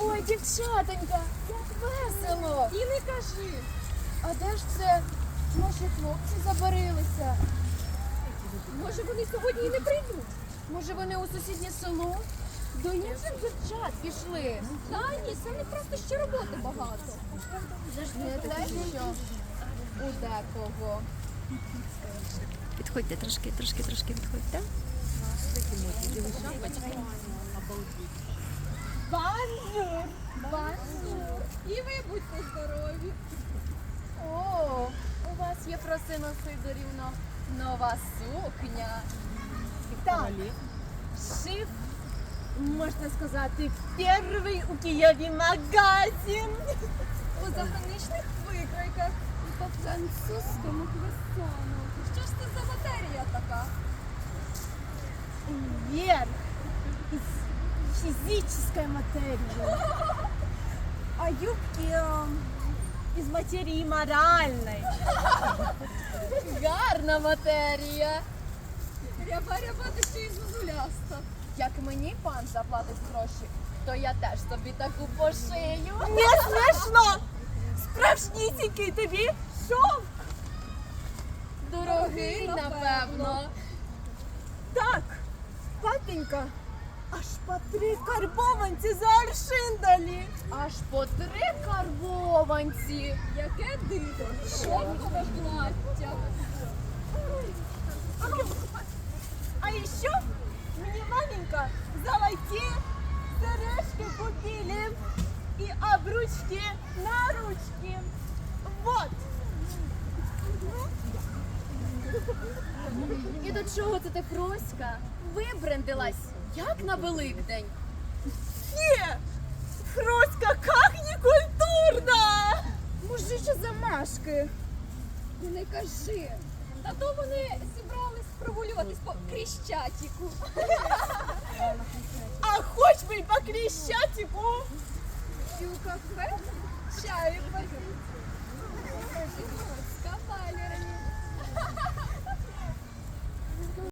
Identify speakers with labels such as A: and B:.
A: Ой, дівчатонька, як весело.
B: І не кажи.
A: А де ж це наші хлопці забарилися?
B: Може, вони сьогодні і не прийдуть?
A: Може, вони у сусіднє село? До інших дівчат пішли.
B: Та ні, це не просто ще роботи багато.
A: Не те, що у декого.
C: Підходьте трошки підходьте.
B: Бонжур! Бонжур! І ви будьте здорові.
A: О, у вас є, Фросино Сидорівно, нова сукня.
D: Так, шив, можна сказати, перший у Києві магазин.
B: У заграничних викройках і по французькому квесону. Що ж це за матерія така?
D: Вверх из физической материи, а юбки из материи моральной.
A: Гарна матерія.
B: Ряба-ряба, та ще й зозуляста.
A: Як мені пан заплатить гроші, то я теж собі таку пошию.
D: Не смішно! Справжнісінький тобі шов.
A: Дорогий, напевно.
D: Так, папенька, аж по 3 карбованці за аршин дали.
A: Аж по 3 карбованці.
B: Яке диво! Шовкове плаття.
D: А еще мне маменька золотые сережки купили и обручки на ручки. Вот.
A: І до чого це ти, Фроська? Вибрендилась, як на Великдень.
D: Не, Фроська, как не культурно!
A: Мужичі замашки.
B: І не кажи. Та то вони зібрались прогулюватись по Крещатику.
D: А хоть бы и по Крещатику.
B: І у кафе чаю попити.